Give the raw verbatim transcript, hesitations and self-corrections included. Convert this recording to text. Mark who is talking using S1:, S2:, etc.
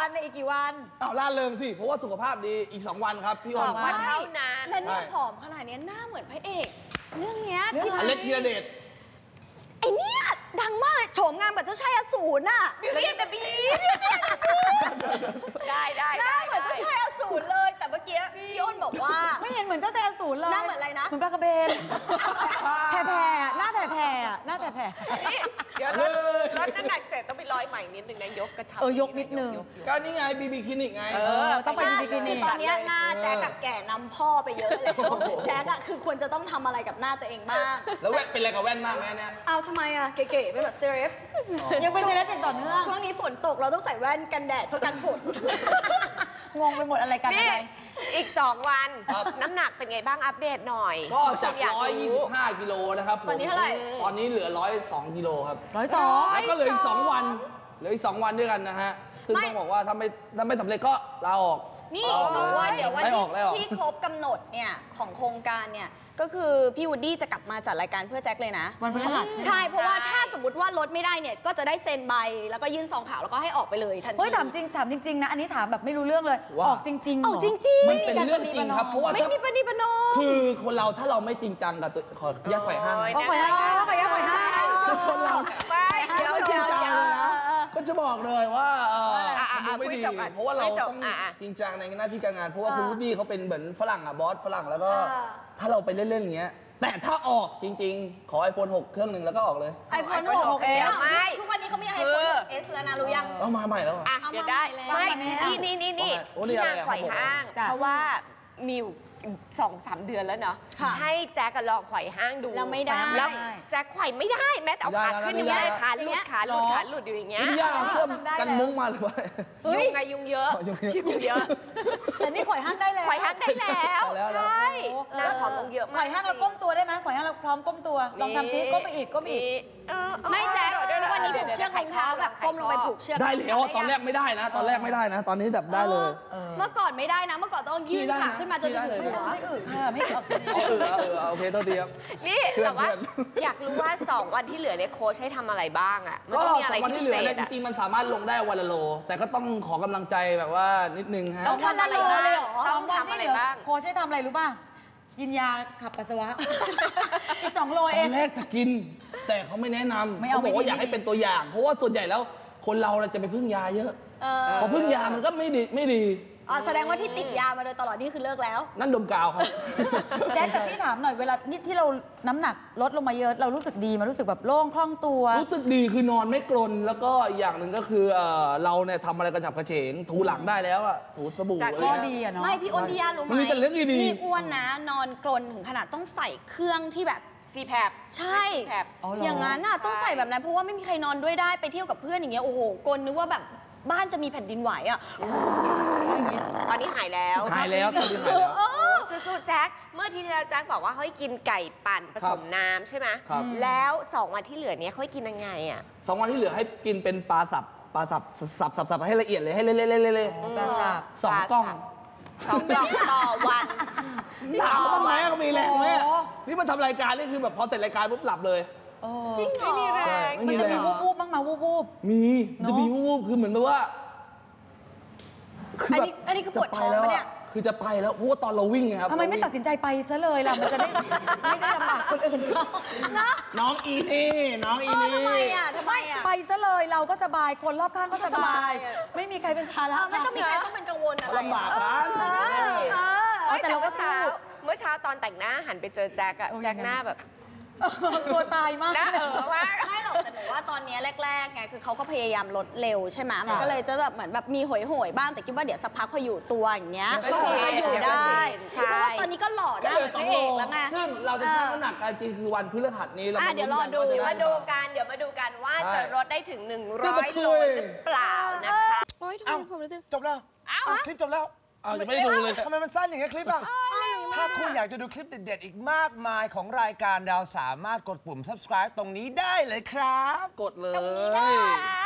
S1: วันในอีกกี่วัน
S2: เอาล่าเริงสิเพราะว่าสุขภาพดีอีกสองวันครับพี่ออม
S3: วันเท่านั้น
S4: และเนี่ยผอมขนาดนี้หน้าเหมือนพระเอกเรื่องเนี้ยที่
S2: อเล็กธีรเดช
S4: ไอเนี้ยดังมากเลยโฉมงามแบบเจ้าชายอสูรน่ะ
S3: บิวตี้แต่บีได้ได้
S4: หน้าเหมือนเจ้าชายอสูรเลยแต่เมื่อกี้พี่อ้นบอกว่า
S1: ไม่เห็นเหมือนเจ้าชายอสูรเลย
S4: หน้าเหมือนอะไรนะ
S1: เหมือนปลากระเบนแผ่แผ่หน้าแผ่แผ่หน้าแผ่แผ่
S3: เดี๋ยวลดลดน้ำหนักเสร็จต้องไปร้อยใหม่นิดนึงนะยกกระชับ
S1: เออยกนิดนึง
S2: ก็นี่ไงบีบีคลินิกไง
S1: เออต้องไปบีบีคลินิก
S4: ตอนนี้หน้าแจ๊กกับแก่นำพ่อไปเยอะเลยแจ๊กอะคือควรจะต้องทำอะไรกับหน้าตัวเองบ้าง
S2: แล้วแว่นเป็นอะไรกับแว่นมากไหมเนี่ย
S4: เอาทำไมอะเก๋ๆเป็นแบบเซเลบ
S1: ยังเป็นเซเลบเป็นต่อเนื่อง
S4: ช่วงนี้ฝนตกเราต้องใส่แว่นกันแดดเพื่อกันฝน
S1: งงไปหมดอะไรกันอะไร
S3: อีกสองวันน้ำหนักเป็นไงบ้างอัปเดตหน่อย
S2: ก็จากหนึ่งร้อยยี่สิบห้ากิโลนะครับ
S4: ตอนนี้เท่าไหร่
S2: ตอนนี้เหลือหนึ่งร้อยสองกิโลครับ
S1: หนึ่งร้อยสอง
S2: แล้วก็เหลืออีกสองวันเหลืออีกสองวันด้วยกันนะฮะซึ่งต้องบอกว่าถ้าไม่ถ้าไม่สำเร็จก็ลาออก
S4: นี่สองวันเดี๋ยววันที่ครบกำหนดเนี่ยของโครงการเนี่ยก็คือพี่วูดดี้จะกลับมาจัดรายการเพื่อแจ็คเลยนะ
S1: วันพฤหัส
S4: ใช่เพราะว่าถ้าสมมติว่าลดไม่ได้เนี่ยก็จะได้เซ็นใบแล้วก็ยื่นซองขาวแล้วก็ให้ออกไปเลยทันที
S1: เฮ้ยถามจริงถามจริงๆนะอันนี้ถามแบบไม่รู้เรื่องเลยออกจริงๆ
S4: ออกจริงๆ
S2: มันเป็นเรื่องจริงครับเพราะว่า
S4: ไม่มีปณิปนอม
S2: คือคนเราถ้าเราไม่จริงจังกับตัวขอแยกไฟห้าง
S1: ขอแยกขอแยกไฟห้าง
S2: คนเรา
S3: ไม่เดี๋ยว
S2: จริงจังเลยนะก็จะบอกเลยว่า
S3: มัน
S2: ไม่ดีเพราะว่าเราต้องจริงจังในหน้าที่การงานเพราะว่าคุณวูดดี้เขาเป็นเหมือนฝรั่งอะบอสฝรั่งแล้วก็ถ้าเราไปเล่นๆอย่างเงี้ยแต่ถ้าออกจริงๆขอ ไอโฟน หก เครื่องหนึ่งแล้วก็ออกเลย
S4: ไอโฟน หก เอสไม่ทุกวันนี้เขามีไอโฟน หก เอส แล้วนะรู้ยัง
S2: เอามาใหม่แล้ว
S3: อ่ะเดี๋ยวได้ไม่นี่นี่นี่นี่ที่นางไขว่ห้างเพราะว่ามีสองสามเดือนแล้วเนาะให้แจ็คลองไขว่ห้างดู
S4: แล้วไม่ได้
S3: แล้วแจ็คไขว่ไม่ได้แม้แต่เอาขาขึ้นยังไม่ได้ขาหลุดขาหลุดขาหลุดอยู่อย่างเงี้ย
S2: พี่ย่าเสื้อกันมุ้งมาหรือว่า
S3: ยุงไงยุงเยอะยุงเยอะ
S1: แต่นี่ไขว่ห้างได้แล้ว
S3: ไขว่ห้างได้แล้วใช่นางผอมลงเยอะมาก
S1: ไขว่ห้างเราก้มตัวได้ไหมไขว่ห้างเราพร้อมก้มตัวลองทำซิก้มไปอีกก้มอีก
S4: ไม่แจ็ควันนี้ผูกเชือกของเท้าแบบก้มลงไปผูกเชือก
S2: ได้แล้วตอนแรกไม่ได้นะ ตอนแรกไม่ได้นะ ตอนนี้แบบได้เลย
S4: เมื่อก่อนไม่ได้นะเมื่อก่อนต้องยื่นขาขึ้นมาจนถึงหัว
S1: ไม่อึค่ะไม่อึ
S2: เออเออโอเคโทษทีครับ
S3: นี่แต่ว่าอยากรู้ว่าสองวันที่เหลือเนี่ยโค้ชให้ทำอะไรบ้างอ่ะ
S2: ก็สองวันที่เหลือเนี่ยจริงๆมันสามารถลงได้วันละโลแต่ก็ต้องขอกำลังใจแบบว่านิดนึงฮะ
S4: ต้องทำอะไรบ้าง
S3: ต้องทำอะไรบ้าง
S1: โค้ชให้ทำอะไรรู้ป่ะกินยาขับปัสสาวะอีกสองโลเอง
S2: ตอนแรกจะกินแต่เขาไม่แนะนำเขาบอกว่าอยากให้เป็นตัวอย่างเพราะว่าส่วนใหญ่แล้วคนเราจะไปพึ่งยาเยอะพอพึ่งยามันก็ไม่ดีไม่ดี
S4: อ๋อแสดงว่าที่ติดยามาโดยตลอดนี่คือเลิกแล้ว
S2: นั่นดมกาวครับ
S1: แจ๊คแต่พี่ถามหน่อยเวลานี่ที่เราน้ำหนักลดลงมาเยอะเรารู้สึกดีมันรู้สึกแบบโล่งคล่องตัว
S2: รู้สึกดีคือนอนไม่กรนแล้วก็อีกอย่างหนึ่งก็คือเราเนี่ยทำอะไรกระฉับกระเฉงถูหลังได้แล้วอะถูสบู่
S1: จากข้อดีอะเนาะ
S4: ไม่พี่อ้นพี่ย่ารู้ไหม
S2: มันมีแต่เรื่องดี
S4: นี่อ้วนนะนอนกรนถึงขนาดต้องใส่เครื่องที่แบบ
S3: ซีแพบ
S4: ใช่อย่างนั้นอ่ะต้องใส่แบบนั้นเพราะว่าไม่มีใครนอนด้วยได้ไปเที่ยวกับเพื่อนอย่างเงี้ยโอ้โหกรนนึกว่าแบบบ้านจะมีแผ่นดินไหวอ่ะ
S3: ตอนนี้หายแล้ว
S2: หายแล้วตอนนี้หายแล้ว
S3: สู้ๆแจ็คเมื่อที่แล้วแจ็คบอกว่าเขาให้กินไก่ปั่นผสมน้ำใช่ไหมแล้วสองวันที่เหลือเนี้ยเขาให้กินยังไงอ่ะ
S2: สองวันที่เหลือให้กินเป็นปลาสับปลาสับสับสับสับให้ละเอียดเลยให้เละเละเละเละ
S1: ปลาสับ
S2: สองกล้อง
S3: สองกล่องต่อวัน
S2: ถามว่าแม่ก็มีแรงแม่นี่มันทำรายการนี่คือแบบพอเสร็จรายการปุ๊บหลับเลย
S4: จริงเหรอ
S1: มันจะมีวูบวูบบ้างมาวูบวูบ
S2: มีจะมีวูบวูบคือเหมือนแบบว่า
S4: อันนี้อันนี้คือปวดท้องปะเนี่ย
S2: คือจะไปแล้วเพราะว่าตอนเราวิ่งไงครับ
S1: ทำไมไม่ตัดสินใจไปซะเลยล่ะมันจะได้ไม่ได้ลำบากคนอื่นเขา
S2: น้องอีนี่น้องอีนี่
S4: ทำไมอ่ะทำไมอ่ะ
S1: ไปซะเลยเราก็สบายคนรอบข้างก็สบายไม่มีใครเป็นภาระ
S4: ไม่ต้องมีใครต้องเป็นกังวลอะไร
S2: ลำบากกัน
S3: แต่เราก็เช้าเมื่อเช้าตอนแต่งหน้าหันไปเจอแจ็คอะแจ็คหน้าแบบ
S1: ตัวตายมาก
S3: นะเออว่า
S4: ไม่หรอกแต่หนูว่าตอนนี้แรกๆไงคือเขาก็พยายามลดเร็วใช่ไหมมันก็เลยจะแบบเหมือนแบบมีหอยๆบ้างแต่คิดว่าเดี๋ยวสักพักพออยู่ตัวอย่างเงี้ยก็คงจะอยู่ได้เพราะว่าตอนนี้ก็หล่อได้พระเอกแล้วไง
S2: ซึ่งเราจะชั่งน้ำหนักกันจริงคือวันพฤหัสนี้เรา
S3: เดี๋ยวรอดูมาดูกันเดี๋ยวมาดูกันว่าจะลดได้ถึงหนึ่งร้อยโลหรือเปล่านะคะ
S5: อ้าวจบแล้วคลิปจบแล้ว
S2: อ้าวจะไม่ดูเลย
S5: ทำไมมันสั้นอย่างเงี้ยคลิปอ่ะถ้าคุณอยากจะดูคลิปเด็ดๆอีกมากมายของรายการเราสามารถกดปุ่ม ซับสไครบ์ ตรงนี้ได้เลยครับ
S2: กดเลย